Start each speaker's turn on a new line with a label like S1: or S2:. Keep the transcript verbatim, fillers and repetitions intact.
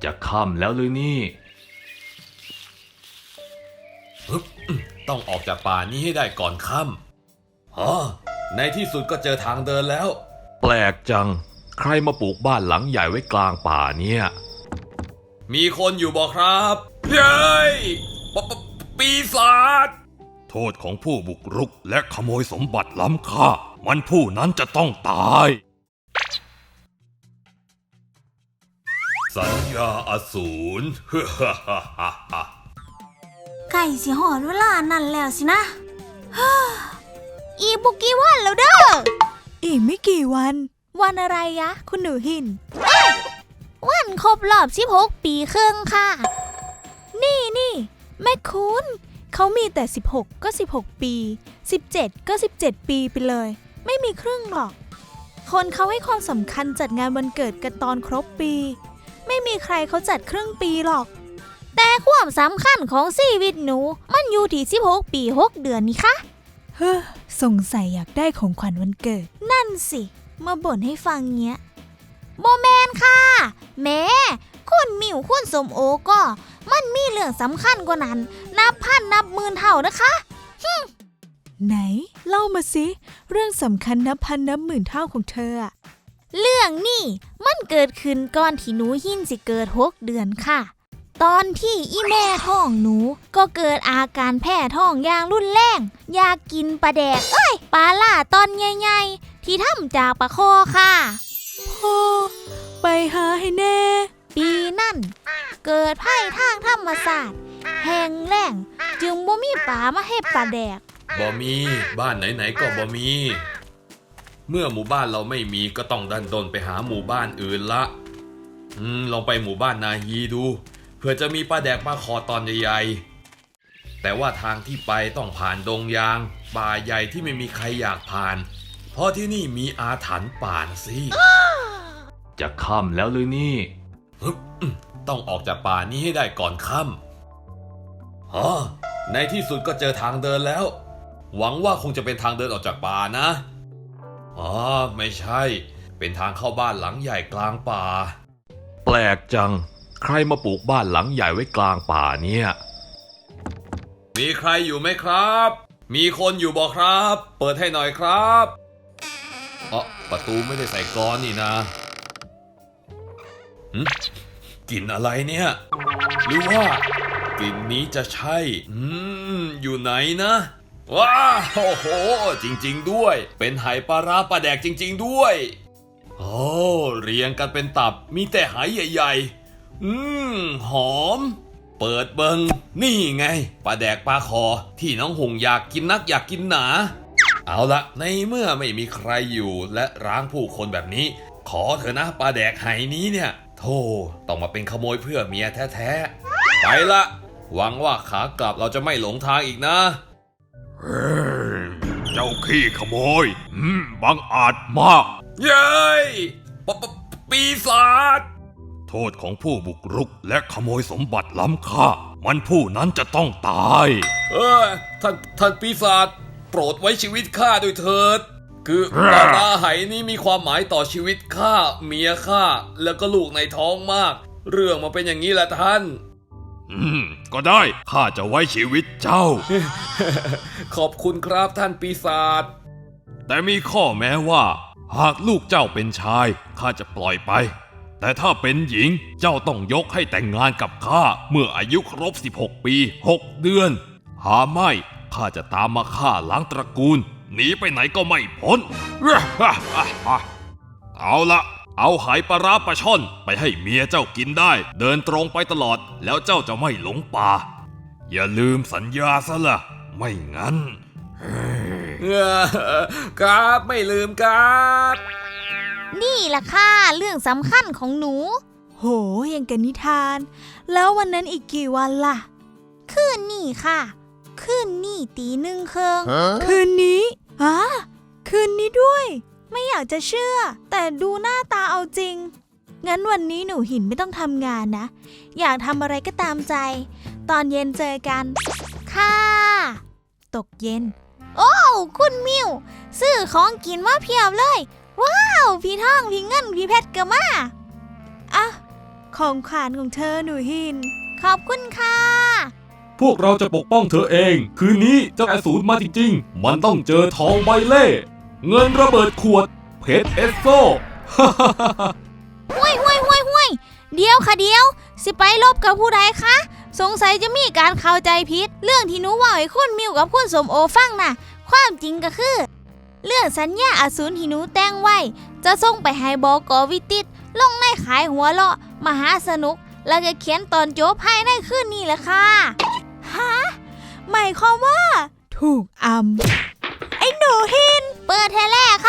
S1: จะค่ำแล้วหรือนี่
S2: ต้องออกจากป่านี้ให้ได้ก่อนค่ำอ๋อในที่สุดก็เจอทางเดินแล้ว
S1: แปลกจังใครมาปลูกบ้านหลังใหญ่ไว้กลางป่าเนี่ย
S2: มีคนอยู่บ่ครับเย้ยปปปีศาจ
S1: โทษของผู้บุกรุกและขโมยสมบัติล้ำค่ามันผู้นั้นจะต้องตาย
S2: สัญญาอสูร
S3: ไก่สิหอดเวลานั่นแล้วสินะอีกบุกี่วันแล้วเด้อ
S4: อีกไม่กี่วันวันอะไรยะคุณหนูหิน
S3: วันครบรอบสิบหกปีครึ่งค่ะ
S4: นี่นี่แม่คุณเขามีแต่สิบหกก็สิบหกปีสิบเจ็ดก็สิบเจ็ดปีไปเลยไม่มีครึ่งหรอกคนเขาให้ความสำคัญจัดงานวันเกิดกันตอนครบปีไม่มีใครเขาจัดครึ่งปีหรอก
S3: แต่ความสำคัญของชีวิตหนูมันอยู่ที่สิบหกปีหกเดือนนี่คะ
S4: เฮ้อสงสัยอยากได้ของขวัญวันเกิดนั่นสิมาบ่นให้ฟังเงี้ย
S3: โมแมนค่ะแม่คุณมิวคุณสมโอก็มันมีเรื่องสำคัญกว่านั้นนับพันนับหมื่นเท่านะคะ
S4: ไหนเล่ามาสิเรื่องสำคัญนับพันนับหมื่นเท่าของเธออะ
S3: เรื่องนี้มันเกิดขึ้นก่อนที่หนูหินสิเกิดหกเดือนค่ะตอนที่อีแม่ท้องหนูก็เกิดอาการแพ้ท้องอย่างรุนแรงอยากกินปลาแดกเอ้ยปลาล่าตอนใหญ่ๆที่ทำจากปลาคอค่ะ
S4: พ่อไปหาให้แน่
S3: ปีนั่นเกิดภัยทางธรรมศาสตร์แห้งแล้งจึงบ่มีปลามาให้ปลาแดก
S2: บ่มีบ้านไหนๆก็บ่มีเมื่อหมู่บ้านเราไม่มีก็ต้องดันดนไปหาหมู่บ้านอื่นละอืมลองไปหมู่บ้านนาฮีดูเพื่อจะมีปลาแดกมาคอตอนใหญ่ๆแต่ว่าทางที่ไปต้องผ่านดงยางป่าใหญ่ที่ไม่มีใครอยากผ่านเพราะที่นี่มีอาถรรพ์ป่าสิ
S1: จะค่ำแล้วหรือนี่
S2: ต้องออกจากป่านี้ให้ได้ก่อนค่ำอ๋อในที่สุดก็เจอทางเดินแล้วหวังว่าคงจะเป็นทางเดินออกจากป่านะอ๋อไม่ใช่เป็นทางเข้าบ้านหลังใหญ่กลางป่า
S1: แปลกจังใครมาปลูกบ้านหลังใหญ่ไว้กลางป่าเนี่ย
S2: มีใครอยู่ไหมครับมีคนอยู่บ่ครับเปิดให้หน่อยครับอ๋อประตูไม่ได้ใส่กลอนนี่นะกลิ่นอะไรเนี่ยหรือว่ากลิ่นนี้จะใช่อืมอยู่ไหนนะว้าโอ้โหจริงๆด้วยเป็นไหปลาร้าปลาแดกจริงๆด้วยโอ้เรียงกันเป็นตับมีแต่ไหใหญ่ๆอืมหอมเปิดเบิงนี่ไงปลาแดกปลาคอที่น้องหงอยากกินนักอยากกินหนาเอาละในเมื่อไม่มีใครอยู่และร้างผู้คนแบบนี้ขอเถอะนะปลาแดกไหนี้เนี่ยโธ่ต้องมาเป็นขโมยเพื่อเมียแท้ๆไปละหวังว่าขากลับเราจะไม่หลงทางอีกนะ
S1: เจ้าขี้ขโมยอืมบังอาจมาก
S2: เย้ยปปปีศาจ
S1: โทษของผู้บุกรุกและขโมยสมบัติล้ำค่ามันผู้นั้นจะต้องตาย
S2: เออท่านท่านปีศาจโปรดไว้ชีวิตข้าด้วยเถิดคือปลาร้าไหนี้มีความหมายต่อชีวิตข้าเมียข้าแล้วก็ลูกในท้องมากเรื่องมันเป็นอย่างนี้แหละท่าน
S1: อืมก็ได้ข้าจะไว้ชีวิตเจ้า
S2: ขอบคุณครับท่านปีศาจ
S1: แต่มีข้อแม้ว่าหากลูกเจ้าเป็นชายข้าจะปล่อยไปแต่ถ้าเป็นหญิงเจ้าต้องยกให้แต่งงานกับข้าเมื่ออายุครบสิบหกปีหกเดือนหาไม่ข้าจะตามมาฆ่าล้างตระกูลหนีไปไหนก็ไม่พ้นเอาละเอาไหปลาร้าปลาช่อนไปให้เมียเจ้ากินได้เดินตรงไปตลอดแล้วเจ้าจะไม่หลงป่าอย่าลืมสัญญาซะละไม่งั้น
S2: ครับไม่ลืมครับ
S3: นี่ล่ะค่ะเรื่องสำคัญของหนู
S4: โหยังกันนิทานแล้ววันนั้นอีกกี่วันล่ะ
S3: คืนนี้ค่ะคืนนี้ตีหนึ่งครึ่ง
S4: คืนนี้อ่ะคืนนี้ด้วยไม่อยากจะเชื่อแต่ดูหน้าตาเอาจริงงั้นวันนี้หนูหินไม่ต้องทำงานนะอยากทำอะไรก็ตามใจตอนเย็นเจอกัน
S3: ค่ะ
S4: ตกเย็น
S3: โอ้คุณมิวซื้อของกินมาเพียบเลยว้าวพี่ท่องพี่เงินพี่เพชรก็มา
S4: อ่ะของขวัญของเธอหนูหิน
S3: ขอบคุณค่ะ
S1: พวกเราจะปกป้องเธอเอง คืนนี้เจ้าอสูรมาจริงๆ มันต้องเจอทองใบเล่ เงินระเบิดขวด เพชรเอสโซ
S3: ห้วยห้วยห้วยห้วยเดี๋ยวค่ะเดี๋ยว สิไปลบกับผู้ใดคะ สงสัยจะมีการเข้าใจผิด เรื่องที่หนูว่าให้คุณมิวกับคุณสมโอฟังน่ะ ความจริงก็คือ เรื่องสัญญาอสูรที่หนูแต่งไว้ จะส่งไปให้บก.วิติตลงในขายหัวเลาะมหาสนุก แล้วก็เขียนตอนจบภายในคืนนี้แหละค่ะ
S4: ฮะ หมายความว่า ถูกอำ ไอ้หนูหิน
S3: เปิดเทแรก